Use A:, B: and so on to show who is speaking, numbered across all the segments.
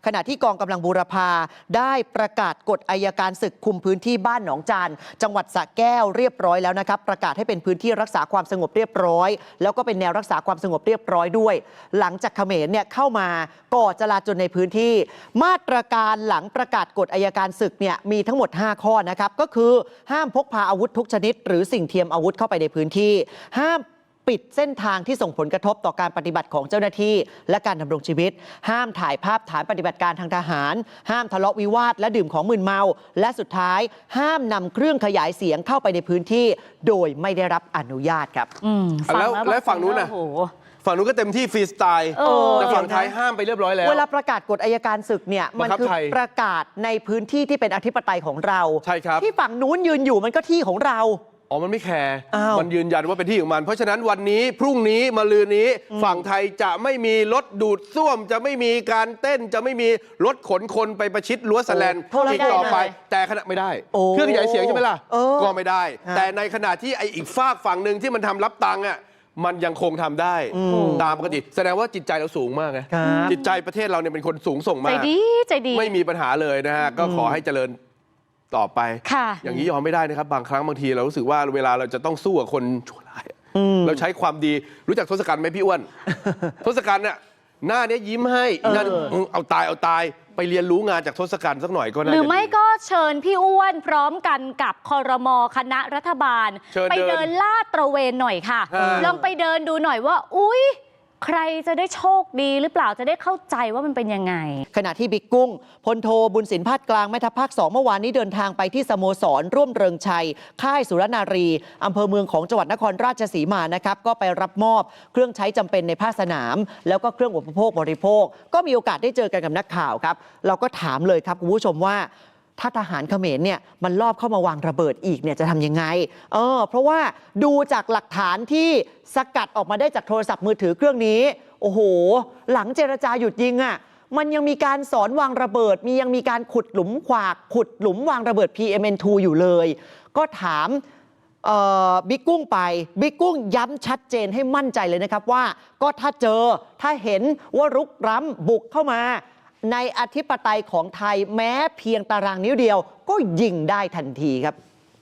A: ขณะที่กองกำลังบูรพาได้ประกาศกฎอัยการศึกคุมพื้นที่บ้านหนองจานจังหวัดสระแก้วเรียบร้อยแล้วนะครับประกาศให้เป็นพื้นที่รักษาความสงบเรียบร้อยแล้วก็เป็นแนวรักษาความสงบเรียบร้อยด้วยหลังจากเขมรเนี่ยเข้ามาก่อจลาจลในพื้นที่มาตรการหลังประกาศกฎอัยการศึกเนี่ยมีทั้งหมด5ข้อนะครับก็คือห้ามพกพาอาวุธทุกชนิดหรือสิ่งเทียมอาวุธเข้าไปในพื้นที่ห้ามปิดเส้นทางที่ส่งผลกระทบต่อการปฏิบัติของเจ้าหน้าที่และการดำรงชีวิตห้ามถ่ายภาพฐานปฏิบัติการทางทหารห้ามทะเลาะวิวาทและดื่มของมึนเมาและสุดท้ายห้ามนำเครื่องขยายเสียงเข้าไปในพื้นที่โดยไม่ได้รับอนุญาตครับ
B: แล้วฝั่งนู้นน่ะฝั่งนู้นก็เต็มที่ฟรีสไตล์แต่ฝั่งไทยห้ามไปเรียบร้อยแล้ว
A: เวลาประกาศกฎอัยการศึกเนี่ยมันคือประกาศในพื้นที่ที่เป็นอธิปไตยของเรา
B: ใช่ครับ
A: ที่ฝั่งนู้นยืนอยู่มันก็ที่ของเรา
B: มันไม่แคร์มันยืนยันว่าเป็นที่ของมันเพราะฉะนั้นวันนี้พรุ่งนี้มะรืนนี้ฝั่งไทยจะไม่มีรถดูดซ่วมจะไม่มีการเต้นจะไม่มีรถขนคนไปประชิดรั้วแสแลนอีกต่อไปแต่ขณะไม่ได้เครื่องขยายเสียงใช่ไหมล่ะก็ไม่ได้แต่ในขณะที่ไอ้อีกฝากฝั่งหนึ่งที่มันทำรับตังค์อ่ะมันยังคงทำได้ตามปกติแสดงว่าจิตใจเราสูงมากไงจิตใจประเทศเราเนี่ยเป็นคนสูงส่งมาก
C: ใจดี
B: ไม่มีปัญหาเลยนะฮะก็ขอให้เจริญต่อไปอย่างนี้ยอมไม่ได้นะครับบางครั้งบางทีเรารู้สึกว่าเวลาเราจะต้องสู้กับคนชั่วร้ายเราใช้ความดีรู้จักทศกัณฐ์ไหมพี่อ้วน ทศกัณฐ์เนี่ยหน้านี้ยิ้มให้นั่นเอาตายไปเรียนรู้งานจากทศกัณฐ์สักหน่อยก็น่าจะ
C: หรือไม่ก็เชิญพี่อ้วนพร้อมกันกับครม.คณะรัฐบาลไปเดินลาดตระเวนหน่อยค่ะลองไปเดินดูหน่อยว่าอุ๊ยใครจะได้โชคดีหรือเปล่าจะได้เข้าใจว่ามันเป็นยังไง
A: ขณะที่บิ๊กกุ้งพลโทบุญสินพาดกลางแม่ทัพภาค 2เมื่อวานนี้เดินทางไปที่สโมสรร่วมเริงชัยค่ายสุรนารีอำเภอเมืองของจังหวัดนครราชสีมานะครับก็ไปรับมอบเครื่องใช้จำเป็นในภาคสนามแล้วก็เครื่องอุปโภคบริโภคก็มีโอกาสได้เจอกันกับนักข่าวครับเราก็ถามเลยครับคุณผู้ชมว่าถ้าทหารเขมรเนี่ยมันลอบเข้ามาวางระเบิดอีกเนี่ยจะทำยังไงเพราะว่าดูจากหลักฐานที่สกัดออกมาได้จากโทรศัพท์มือถือเครื่องนี้โอ้โหหลังเจรจาหยุดยิงอ่ะมันยังมีการสอนวางระเบิดยังมีการขุดหลุมขวากขุดหลุมวางระเบิด PMN2 อยู่เลยก็ถามบิ๊กกุ้งไปบิ๊กกุ้งย้ำชัดเจนให้มั่นใจเลยนะครับว่าก็ถ้าเห็นว่ารุกล้ำบุกเข้ามาในอธิปไตยของไทยแม้เพียงตารางนิ้วเดียวก็ยิงได้ทันทีครับ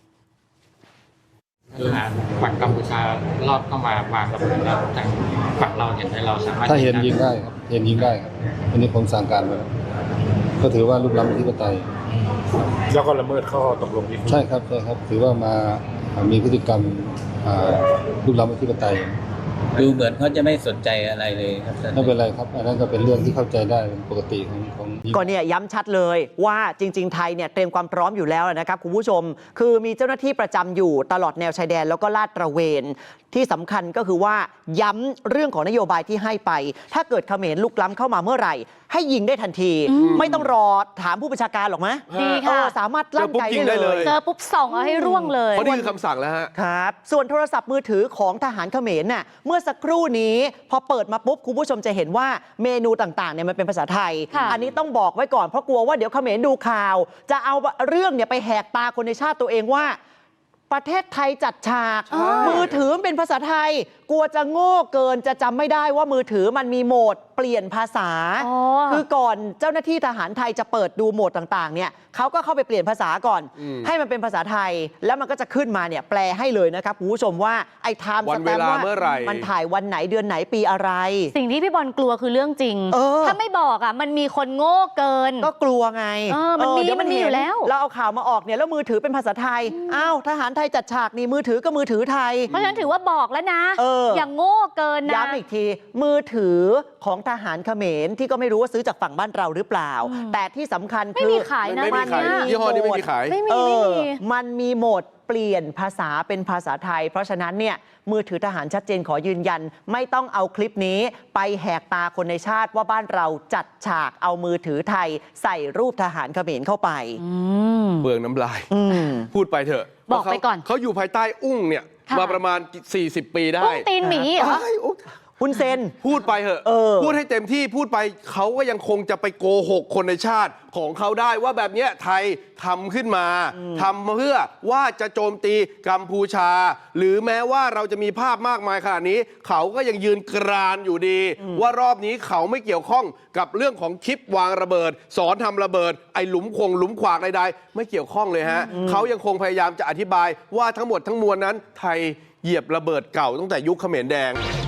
D: ฝั่งกัมพูชารอบเข้ามาวางระเบิดแล้วทางฝั่งเราเห็นไหมเราสามารถ
E: ถ้าเห็นยิงได้ครับเห็นยิงได้ครับอันนี้ผมสั่งการไปแล้วก็ถือว่าลุกล้ำอธิปไตย
F: แล้วก็ละเมิดข้อตกลงที่
E: ใช่ครับถือว่ามามีพฤติกรรมลุกล้ำอธิปไตย
G: ดูเหมือนเขาจะไม่สนใจอะไรเลยครับ
E: ไม่เป็นไรครับอันนั้นก็เป็นเรื่องที่เข้าใจได้เป็นปกติของ
A: ก็เนี่ยย้ำชัดเลยว่าจริงๆไทยเนี่ยเตรียมความพร้อมอยู่แล้วนะครับคุณผู้ชมคือมีเจ้าหน้าที่ประจำอยู่ตลอดแนวชายแดนแล้วก็ลาดตระเวนที่สำคัญก็คือว่าย้ำเรื่องของนโยบายที่ให้ไปถ้าเกิดเขมรลุกล้ำเข้ามาเมื่อไหร่ให้ยิงได้ทันทีไม่ต้องรอถามผู้บัญชาการหรอกมั้ย
C: ดีค่ะ
A: สามารถลั่นไกได้เลย
C: เจอปุ๊บส่องเอาให้ร่วงเลย
B: เพราะนี่คือคำสั่งแล้วฮะ
A: ครับส่วนโทรศัพท์มือถือของทหารเขมรน่ะเมื่อสักครู่นี้พอเปิดมาปุ๊บคุณผู้ชมจะเห็นว่าเมนูต่างๆเนี่ยมันเป็นภาษาไทยอันนี้ต้องบอกไว้ก่อนเพราะกลัวว่าเดี๋ยวเขมรดูข่าวจะเอาเรื่องเนี่ยไปแหกตาคนในชาติตัวเองว่าประเทศไทยจัดฉากมือถือเป็นภาษาไทยกลัวจะโง่เกินจะจำไม่ได้ว่ามือถือมันมีโหมดเปลี่ยนภาษาคือก่อนเจ้าหน้าที่ทหารไทยจะเปิดดูโหมดต่างๆเนี่ยเขาก็เข้าไปเปลี่ยนภาษาก่อนให้มันเป็นภาษาไทยแล้วมันก็จะขึ้นมาเนี่ยแปลให้เลยนะครับคุณผู้ชมว่าไอ้ไทม์สแตมป์ว่ามันถ่ายวันไหนเดือนไหนปีอะไร
C: สิ่งที่พี่บอลกลัวคือเรื่องจริงถ้าไม่บอกอ่ะมันมีคนโง่เกิน
A: ก็กลัวไง
C: มันมีอยู่แล้ว
A: เราเอาข่าวมาออกเนี่ยแล้วมือถือเป็นภาษาไทยอ้าวทหารไทยจัดฉากนี่มือถือก็มือถือไทย
C: เพราะฉะนั้นถือว่าบอกแล้วนะอย่างโง่เกินนะ
A: ย้ำอีกทีมือถือของทหารเขมรที่ก็ไม่รู้ว่าซื้อจากฝั่งบ้านเราหรือเปล่าแต่ที่สำคัญคือ
C: ไม่มีขายนะ
B: มันยี่ห้อนี้ไม่มีขาย
A: มันมีโหมดเปลี่ยนภาษาเป็นภาษาไทยเพราะฉะนั้นเนี่ยมือถือทหารชัดเจนขอยืนยันไม่ต้องเอาคลิปนี้ไปแหกตาคนในชาติว่าบ้านเราจัดฉากเอามือถือไทยใส่รูปทหารเขมรเข้าไป
B: เบืองน้ำลายพูดไปเถอะ
C: บอกไปก่อน
B: เขาอยู่ภายใต้อุ้งเนี่ยมาประมาณ40 ปีได้
C: อุ้งตีนหมีเหรอ
A: ฮุนเซน
B: พูดไปเหอะ พูดให้เต็มที่พูดไปเขาก็ยังคงจะไปโกหกคนในชาติของเขาได้ว่าแบบเนี้ยไทยทำขึ้นมาทำเพื่อว่าจะโจมตีกัมพูชา หรือแม้ว่าเราจะมีภาพมากมายขนาดนี้ เขาก็ยังยืนกรานอยู่ดี ว่ารอบนี้เขาไม่เกี่ยวข้องกับเรื่องของคลิปวางระเบิด สอนทำระเบิดไอ้หลุมขวากใดๆไม่เกี่ยวข้องเลยฮะเขายังคงพยายามจะอธิบายว่าทั้งหมดทั้งมวลนั้นไทยเหยียบระเบิดเก่าตั้งแต่ยุคเขมรแดง